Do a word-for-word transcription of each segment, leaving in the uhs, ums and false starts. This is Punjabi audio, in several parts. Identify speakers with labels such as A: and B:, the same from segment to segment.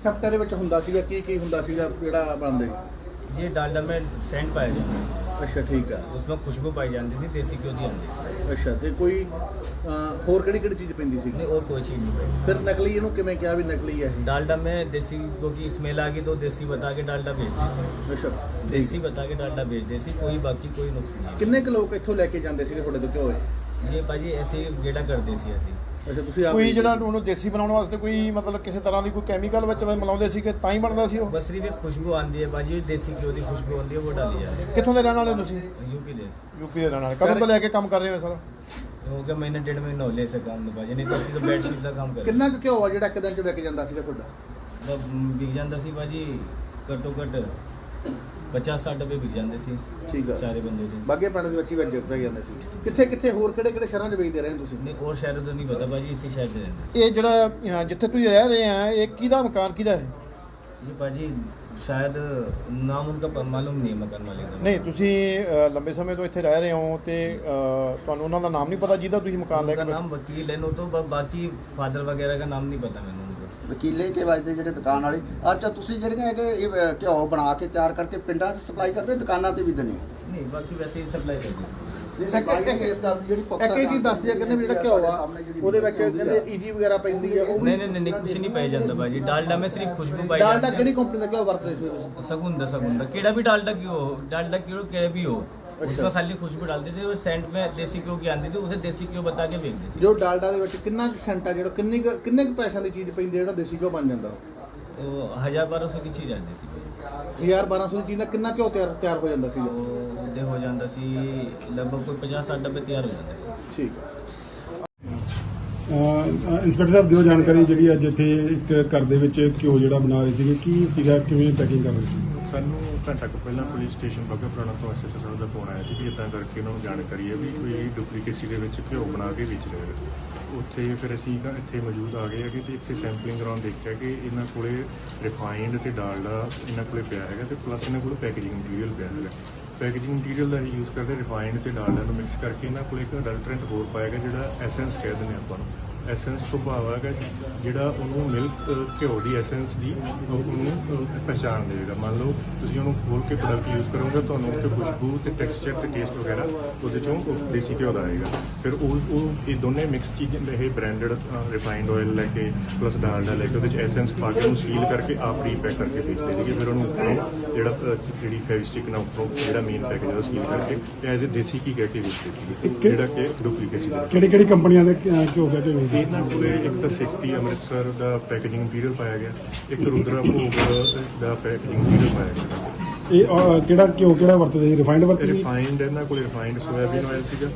A: ਸੈਫਟਾਂ ਦੇ ਵਿੱਚ ਹੁੰਦਾ ਸੀਗਾ ਕੀ ਕੀ ਹੁੰਦਾ ਸੀਗਾ ਜਿਹੜਾ ਬਣਦੇ
B: ये डालडा में सेंट पाया जाता है,
A: ਅੱਛਾ ਠੀਕ ਆ
B: उसमें खुशबू पाई जाती थी, देसी घ्यो दी आती
A: ਅੱਛਾ ਤੇ ਕੋਈ ਅਹ, ਹੋਰ ਕਿਹੜੀ ਕਿਹੜੀ ਚੀਜ਼ ਪੈਂਦੀ ਸੀ
B: नहीं और कोई चीज़ नहीं पाई।
A: ਫਿਰ ਨਕਲੀ ਇਹਨੂੰ ਕਿਵੇਂ ਕਿਹਾ ਵੀ ਨਕਲੀ ਹੈ ਇਹ
B: डालडा में देसी घ्यो की स्मेल आ गई तो देसी बता के डालडा बेचते थे,
A: ਅੱਛਾ
B: देसी बता के डालडा बेचते सी, कोई बाकी कोई नुक्स नहीं
A: ਕਿੰਨੇ ਕੁ ਲੋਕ ਇੱਥੋਂ ਲੈ ਕੇ ਜਾਂਦੇ ਸੀਗੇ ਤੁਹਾਡੇ ਤੋਂ ਘਿਓ ਇਹ?
B: है। ये भाजी ऐसे ही गेड़ा करते सी ऐसे।
A: ਅੱਛਾ ਤੁਸੀਂ ਆਪ
C: ਕੋਈ ਜਿਹੜਾ ਉਹਨੂੰ ਦੇਸੀ ਬਣਾਉਣ ਵਾਸਤੇ ਕੋਈ ਮਤਲਬ ਕਿਸੇ ਤਰ੍ਹਾਂ ਦੀ ਕੋਈ ਕੈਮੀਕਲ ਵਿੱਚ ਮਿਲਾਉਂਦੇ ਸੀ ਕਿ ਤਾਂ ਹੀ ਬਣਦਾ ਸੀ ਉਹ?
B: बस सिर्फ एक खुशबू आती है भाजी, देसी घ्यो की खुशबू आती है वो डाली जाती
C: ਕਿੱਥੋਂ ਦੇ ਰਹਿਣ ਵਾਲੇ ਹੋ ਤੁਸੀਂ?
B: है। यूपी दे
C: ਯੂਪੀ ਦੇ ਰਹਿਣ ਵਾਲੇ। ਕਦੋਂ ਤੋਂ ਲੈ ਕੇ ਕੰਮ ਕਰ ਰਹੇ ਹੋ ਸਰ?
B: हो गया महीने डेढ़ महीना हो ले सका हम भाजी, नहीं तो असं तो बेडशीट का काम कर
A: ਕਿੰਨਾ ਕੁ ਘਿਓ ਆ ਜਿਹੜਾ ਇੱਕ ਦਿਨ ਚ ਵਿਕ ਜਾਂਦਾ ਸੀਗਾ ਤੁਹਾਡਾ?
B: बिक जाता सी भाजी घट्टो घट पचास साठ डब्बे बिक जाते सी
A: ਠੀਕ ਆ
B: चारे बंदे दे।
A: ਬਾਗੇ ਪਿੰਡ ਦੇ ਵਿੱਚ ਹੀ ਵਿਕ ਵਿਕ ਜਾਂਦੇ ਸੀ ਕਿੱਥੇ ਕਿੱਥੇ ਹੋਰ ਕਿਹੜੇ ਕਿਹੜੇ ਸ਼ਹਿਰਾਂ 'ਚ ਵੇਚਦੇ ਰਹੇ ਤੁਸੀਂ?
B: नहीं और शहरों तो नहीं पता भाजी, इसी शहर से रहते
C: ਇਹ ਜਿਹੜਾ ਅਹ, ਜਿੱਥੇ ਤੁਸੀਂ ਰਹਿ ਰਹੇ ਆ ਇਹ ਕਿਹਦਾ ਮਕਾਨ ਕਿਹਦਾ ਹੈ?
B: ये भाजी शायद नाम उनका प- मालूम नहीं है मकान मालिक का।
C: ਨਹੀਂ ਤੁਸੀਂ ਅਹ, ਲੰਬੇ ਸਮੇਂ ਤੋਂ ਇੱਥੇ ਰਹਿ ਰਹੇ ਹੋ ਤੇ ਅਹ, ਤੁਹਾਨੂੰ ਉਹਨਾਂ ਦਾ ਨਾਮ ਨਹੀਂ ਪਤਾ ਜਿਹਦਾ ਤੁਸੀਂ ਮਕਾਨ ਲੈ
B: उनका
C: ਕੇ
B: नाम वकील है, नो तो ब- बाकी फादर वगैरह का नाम नहीं पता मैंने उनको।
D: ਵਕੀਲੇ ਕੇ ਵਜਦੇ ਜਿਹੜੇ ਦੁਕਾਨ ਵਾਲੇ ਅੱਛਾ ਤੁਸੀਂ ਜਿਹੜੀਆਂ ਹੈਗੇ ਇਹ ਅਹ, ਘਿਓ ਬਣਾ ਕੇ ਤਿਆਰ ਕਰਕੇ ਪਿੰਡਾਂ 'ਚ ਸਪਲਾਈ ਕਰਦੇ ਦੁਕਾਨਾਂ ਤੇ ਵੀ ਦਿੰਦੇ
B: नहीं बाकी वैसे ही सप्लाई करते
D: ਇਹ ਸਪਲਾਈ ਦੀ ਇਸ ਗੱਲ ਦੀ ਜਿਹੜੀ ਪੁਖਤਾ
A: ਇੱਕ ਇਹ ਚੀਜ਼ ਦੱਸਦੀ ਆ ਕਹਿੰਦੇ ਵੀ ਜਿਹੜਾ ਘਿਓ ਆ ਉਹਦੇ ਵਿੱਚ ਕਹਿੰਦੇ ਈਜੀ ਵਗੈਰਾ ਪੈਂਦੀ ਆ ਉਹ
B: नहीं नहीं नहीं नहीं, कुछ नहीं पाया जाता भाजी, डालडा में सिर्फ खुशबू पाई
A: ਡਾਲਡਾ
B: जाती
A: ਕਿਹੜੀ
B: है।
A: ਕੰਪਨੀ ਦਾ ਘਿਓ ਵਰਤਦੇ ਸੀ ਤੁਸੀਂ?
B: सगुंदा सगुंदा केड़ा भी डालडा क्यों हो, डालडा क्यों क्या भी हो, उसमें खाली खुशबू डालते थे, वो सेंट में देसी घ्यो की आती थी, उसे देसी घ्यो बता के बेचते थे।
A: ਜੋ ਡਾਲਡਾ ਦੇ ਵਿੱਚ ਕਿੰਨਾ ਕੁ ਸੈਂਟ ਆ ਜਿਹੜਾ ਕਿੰਨੀ ਕੁ- ਕਿੰਨੇ ਕੁ ਪੈਸਿਆਂ ਦੀ ਚੀਜ਼ ਪੈਂਦੀ ਆ ਜਿਹੜਾ ਦੇਸੀ ਘਿਓ ਬਣ ਜਾਂਦਾ
B: तो हजार बारह सौ की चीज़ आती सी,
A: ਹਜ਼ਾਰ ਬਾਰਾਂ ਸੌ ਦੀ ਚੀਜ਼ ਦਾ ਕਿੰਨਾ ਘਿਓ ਤਿਆਰ ਤਿਆਰ ਹੋ ਜਾਂਦਾ ਸੀਗਾ?
B: तो उदय हो जाता सी लगभग कोई पचास साठ डब्बे तैयार हो जाते सी।
A: ਠੀਕ ਆ
E: ਇੰਸਪੈਕਟਰ ਸਾਹਿਬ ਦਿਓ ਜਾਣਕਾਰੀ ਜਿਹੜੀ ਅੱਜ ਇੱਥੇ ਇੱਕ ਘਰ ਦੇ ਵਿੱਚ ਘਿਓ ਜਿਹੜਾ ਬਣਾ ਰਹੇ ਸੀਗੇ ਕੀ ਸੀਗਾ ਕਿਵੇਂ ਪੈਕਿੰਗ ਕਰ ਰਹੇ ਸੀ?
F: ਸਾਨੂੰ ਘੰਟਾ ਕੁ ਪਹਿਲਾਂ ਪੁਲਿਸ ਸਟੇਸ਼ਨ ਬੱਗਾ ਪੁਰਾਣਾ ਤੋਂ ਐਸਐਚਓ ਸਾਹਿਬ ਦਾ ਫੋਨ ਆਇਆ ਸੀ ਵੀ ਇਦਾਂ ਕਰਕੇ ਉਹਨਾਂ ਨੂੰ ਜਾਣਕਾਰੀ ਹੈ ਵੀ ਕੋਈ ਡੁਪਲੀਕੇਸੀ ਦੇ ਵਿੱਚ ਘਿਓ ਬਣਾ ਕੇ ਵੇਚ ਰਹੇ ਨੇ। ਉੱਥੇ ਫਿਰ ਅਸੀਂ ਤਾਂ ਇੱਥੇ ਮੌਜੂਦ ਆ ਗਏ ਹੈਗੇ ਤੇ ਇੱਥੇ ਸੈਂਪਲਿੰਗ ਕਰਾਉਣ ਦੇਖਿਆ ਕਿ ਇਹਨਾਂ ਕੋਲੇ ਰਿਫਾਈਨਡ ਤੇ ਡਾਲਡਾ ਇਹਨਾਂ ਕੋਲੇ ਪਿਆ ਹੈਗਾ ਤੇ ਪਲੱਸ ਇਹਨਾਂ ਕੋਲ ਪੈਕੇਜਿੰਗ ਮਟੀਰੀਅਲ ਪਿਆ ਹੈਗਾ। ਪੈਕੇਜਿੰਗ ਮਟੀਰੀਅਲ ਦਾ ਯੂਜ਼ ਕਰਦੇ ਰਿਫਾਈਨਡ ਤੇ ਡਾਲਡਾ ਨੂੰ ਮਿਕਸ ਕਰਕੇ ਇਹਨਾਂ ਕੋਲ ਇੱਕ ਅਡਲਟਰੈਂਟ ਹੋਰ ਪਾਇਆ ਗਿਆ ਜਿਹੜਾ ਐਸੈਂਸ ਕਹਿ ਦਿੰਦੇ ਆਪਾਂ ਨੂੰ। ਐਸੈਂਸ ਤੋਂ ਭਾਵ ਹੈਗਾ ਜਿਹੜਾ ਉਹਨੂੰ ਮਿਲਕ ਘਿਓ ਦੀ ਐਸੈਂਸ ਦੀ ਉਹਨੂੰ ਅਹ, ਪਹਿਚਾਣ ਦੇਵੇਗਾ। ਮੰਨ ਲਓ ਤੁਸੀਂ ਉਹਨੂੰ ਖੋਲ ਕੇ ਪ੍ਰੋਡਕਟ ਯੂਜ਼ ਕਰੋਗੇ ਤੁਹਾਨੂੰ ਉੱਥੇ ਖੁਸ਼ਬੂ ਤੇ ਟੈਕਸਚਰ ਤੇ ਟੇਸਟ ਵਗੈਰਾ ਉਹਦੇ ਚੋਂ ਉਹ ਦੇਸੀ ਘਿਓ ਦਾ ਆਏਗਾ। ਫਿਰ ਉਹ ਉਹ ਇਹ ਦੋਨੇ ਮਿਕਸ ਚੀਜ਼ ਇਹ ਬ੍ਰਾਂਡਡ ਰਿਫਾਈਨਡ ਆਇਲ ਲੈ ਕੇ ਪਲੱਸ ਡਾਲਡਾ ਲੈ ਕੇ ਉਹਦੇ ਚ ਐਸੈਂਸ ਪਾ ਕੇ ਉਹਨੂੰ ਸੀਲ ਕਰਕੇ ਆਪ ਰੀਪੈਕ ਕਰਕੇ ਵੇਚਦੇ ਸੀਗੇ। ਫਿਰ ਉਹਨੂੰ ਉੱਪਰੋਂ ਜਿਹੜਾ ਅਹ, ਜਿਹੜੀ ਫੈਵਿਸਟਿਕ ਨਾਲ ਉੱਪਰੋਂ ਜਿਹੜਾ ਮੇਨ ਪੈਕੇਜ ਉਹਦਾ ਸੀਲ ਕਰਕੇ ਤੇ ਐਜ਼ ਏ ਦੇਸੀ ਘੀ ਕਹਿ ਕੇ ਵੇਚਦੇ ਸੀਗੇ ਜਿਹੜਾ ਕਿ ਡੁਪਲੀਕੇਸੀ ਦਾ।
E: ਕਿਹੜੀ ਕਿਹੜੀ ਕੰਪਨੀਆਂ ਦੇ ਅਹ, ਘਿਓ ਕਹਿ ਕੇ ਵੇਚਦੇ?
F: ਇਹਨਾਂ ਕੋਲੇ ਇੱਕ ਤਾਂ ਸਿੱਖਤੀ ਅੰਮ੍ਰਿਤਸਰ ਦਾ ਪੈਕੇਜਿੰਗ ਮਟੀਰੀਅਲ ਪਾਇਆ ਗਿਆ, ਇੱਕ ਰੁਦਰਾ ਭੋਗ ਦਾ ਪੈਕੇਜਿੰਗ ਮਟੀਰੀਅਲ ਪਾਇਆ ਗਿਆ।
E: ਇਹ ਅਹ, ਕਿਹੜਾ ਘਿਓ ਕਿਹੜਾ ਵਰਤਦੇ ਸੀ? ਰਿਫਾਈਨਡ ਵਰਤਦੇ ਸੀ?
F: ਰਿਫਾਈਨਡ ਇਹਨਾਂ ਕੋਲ ਰਿਫਾਈਨਡ ਸੋਇਆਬੀਨ ਆਇਲ ਸੀਗਾ,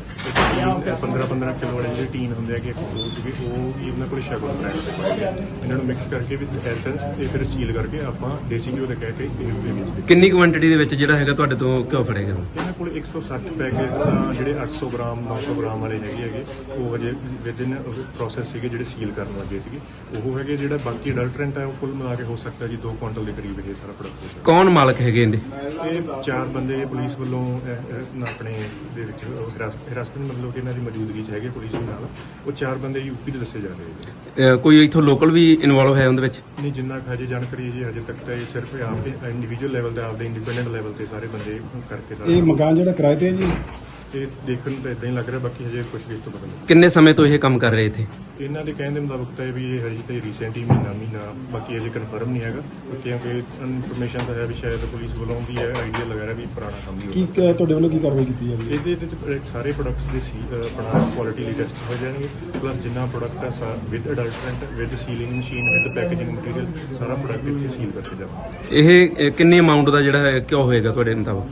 F: ਪੰਦਰਾਂ ਪੰਦਰਾਂ ਕਿਲੋ ਵਾਲੇ ਜਿਹੜੇ ਟੀਨ ਹੁੰਦੇ ਆ ਕਿ ਇੱਕ ਦੋ ਸੀਗੇ ਉਹ ਵੀ ਇਹਨਾਂ ਕੋਲ ਸ਼ਗਨ ਬ੍ਰਾਂਡ ਦੇ ਪਾਏ ਗਏ। ਇਹਨਾਂ ਨੂੰ ਮਿਕਸ ਕਰਕੇ ਵਿਦ ਐਸੈਂਸ ਤੇ ਫਿਰ ਸੀਲ ਕਰਕੇ ਆਪਾਂ ਦੇਸੀ ਘਿਓ ਦੇ ਕਹਿ ਕੇ ਇਹ ਵੇਚਦੇ।
G: ਕਿੰਨੀ ਕੁਆਂਟੀਟੀ ਦੇ ਵਿੱਚ ਜਿਹੜਾ ਹੈਗਾ ਤੁਹਾਡੇ ਤੋਂ ਘਿਓ ਫੜੇਗਾ?
F: ਇਹਨਾਂ ਕੋਲ ਇੱਕ ਸੌ ਸੱਠ ਪੈਕੇਟ ਤਾਂ ਜਿਹੜੇ ਅੱਠ ਸੌ ਗ੍ਰਾਮ ਨੌ ਸੌ ਗ੍ਰਾਮ ਵਾਲੇ ਹੈਗੇ ਹੈਗੇ ਉਹ ਹਜੇ ਵਿਦਿਨ ਪ੍ਰੋਸੈਸ ਸੀਗੇ ਜਿਹੜੇ ਸੀਲ ਕਰਨ ਲੱਗੇ ਸੀਗੇ। ਉਹ ਹੈਗੇ ਜਿਹੜਾ ਬਾਕੀ ਅਡਲਟਰੈਂਟ ਹੈ ਉਹ ਕੁੱਲ ਮਿਲਾ ਕੇ ਹੋ ਸਕਦਾ ਜੀ ਦੋ ਕੁਇੰਟਲ ਦੇ ਕਰੀਬ ਇਹ ਸਾਰਾ ਪ੍ਰੋਡਕਟ ਹੋ ਸਕਦਾ।
G: ਕੌਣ ਮਾਲਕ ਹੈਗੇ ਇਹਦੇ?
F: ਇਹ ਚਾਰ ਬੰਦੇ ਪੁਲਿਸ ਵੱਲੋਂ ਅਹ, ਅਹ, ਆਪਣੇ ਦੇ ਵਿੱਚ ਹਿਰਾਸਤ ਹਿਰਾਸਤ ਵਿੱਚ ਮਤਲਬ ਕਿ ਇਹਨਾਂ ਦੀ ਮੌਜੂਦਗੀ 'ਚ ਹੈਗੇ ਪੁਲਿਸ ਦੇ ਨਾਲ। ਉਹ ਚਾਰ ਬੰਦੇ ਯੂਪੀ ਦੇ ਦੱਸੇ ਜਾ ਰਹੇ ਨੇ।
G: ਅਹ ਕੋਈ ਇੱਥੋਂ ਲੋਕਲ ਵੀ ਇਨਵੋਲਵ ਹੈ ਉਹਦੇ ਵਿੱਚ?
F: ਨਹੀਂ ਜਿੰਨਾ ਕੁ ਹਜੇ ਜਾਣਕਾਰੀ ਹੈ ਜੀ ਹਜੇ ਤੱਕ ਤਾਂ ਇਹ ਸਿਰਫ ਆਪ ਇੰਡੀਵਿਜੂਅਲ ਲੈਵਲ ਤੇ ਆਪਦੇ ਇੰਡੀਪੈਂਡੈਂਟ ਲੈਵਲ ਤੇ ਸਾਰੇ ਬੰਦੇ ਕਰਕੇ ਦਾ
E: ਇਹ ਮਕਾਨ ਜਿਹੜਾ ਕਿਰਾਏ ਤੇ ਹੈ ਜੀ?
F: ਇਹ ਦੇਖਣ ਨੂੰ ਤਾਂ ਇਦਾਂ ਹੀ ਲੱਗ ਰਿਹਾ, ਬਾਕੀ ਹਜੇ ਕੁਝ ਵੀ ਇਸ ਤੋਂ ਪਤਾ ਨਹੀਂ।
G: ਕਿੰਨੇ ਸਮੇਂ ਤੋਂ ਇਹ ਕੰਮ ਕਰ ਰਹੇ ਇੱਥੇ?
F: ਇਹਨਾਂ ਦੇ ਕਹਿਣ ਦੇ ਮੁਤਾਬਕ ਤਾਂ ਇਹ ਵੀ ਇਹ ਹਜੇ ਤਾਂ ਰੀਸੈਂਟ ਹੀ ਮਹੀਨਾ ਮਹੀਨਾ ਬਾਕੀ ਹਜੇ ਕਨਫਰਮ ਨਹੀਂ ਹੈਗਾ ਕਿਉਂਕਿ ਇਨਫੋਰਮੇਸ਼ਨ ਤਾਂ ਹੈ ਵੀ ਸ਼ਾਇਦ ਪੁਲਿਸ ਵੱਲੋਂ ਵੀ ਹੈ ਆਈਡੀਆ ਲਗਾ ਰਿਹਾ ਵੀ ਪੁਰਾਣਾ ਕੰਮ ਹੀ
E: ਕੀ
F: ਹੋਊਗਾ।
E: ਕ- ਤੁਹਾਡੇ ਵੱਲੋਂ ਕੀ ਕਾਰਵਾਈ ਕੀਤੀ ਜਾਵੇ?
F: ਇਹਦੇ ਵਿੱਚ ਸਾਰੇ ਪ੍ਰੋਡਕਟਸ ਦੇ ਸੀ ਅਹ, ਆਪਣਾ ਕੁਆਲਿਟੀ ਲਈ ਟੈਸਟ ਹੋ ਜਾਣਗੇ ਪਲੱਸ ਜਿੰਨਾ ਪ੍ਰੋਡਕਟ ਹੈ with adulterant with sealing machine with packaging material ਸਾਰਾ ਪ੍ਰੋਡਕਟ ਇੱਥੇ ਸੀਲ ਕਰਕੇ ਜਾਵੇ।
G: ਇਹ ਅਹ, ਕਿੰਨੀ ਅਮਾਉਂਟ ਦਾ ਜਿਹੜਾ ਹੈ ਘਿਓ ਹੋਏਗਾ ਤੁਹਾਡੇ ਮੁਤਾਬਕ?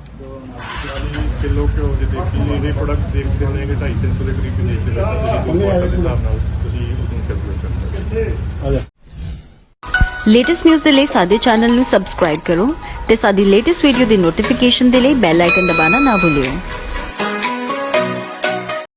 F: ਕਿਲੋ ਘਿਓ ਜੇ ਦੇਖੀ ਇਹ ਪ੍ਰੋਡਕਟ ਦੇਖਦੇ ਹੋਣੇ ਕਿ ਢਾਈ ਤਿੰਨ ਸੌ ਦੇ ਕਰੀਬ ਦੇਖਦੇ ਹੋ ਤੁਸੀਂ ਦੋ ਕੁਆਂਟਲ ਦੇ ਹਿਸਾਬ ਨਾਲ ਤੁਸੀਂ ਉਹਨੂੰ ਕੈਲਕੂਲੇਟ ਕਰ ਸਕਦੇ ਹੋ।
E: ਆ ਜਾ
H: ਲੇਟੈਸਟ ਨਿਊਜ਼ ਦੇ ਲਈ ਸਾਡੇ ਚੈਨਲ ਨੂੰ ਸਬਸਕ੍ਰਾਈਬ ਕਰੋ ਤੇ ਸਾਡੀ ਲੇਟੈਸਟ ਵੀਡੀਓ ਦੀ ਨੋਟੀਫਿਕੇਸ਼ਨ ਦੇ ਲਈ ਬੈਲ ਆਈਕਨ ਦਬਾਉਣਾ ਨਾ ਭੁੱਲਿਓ।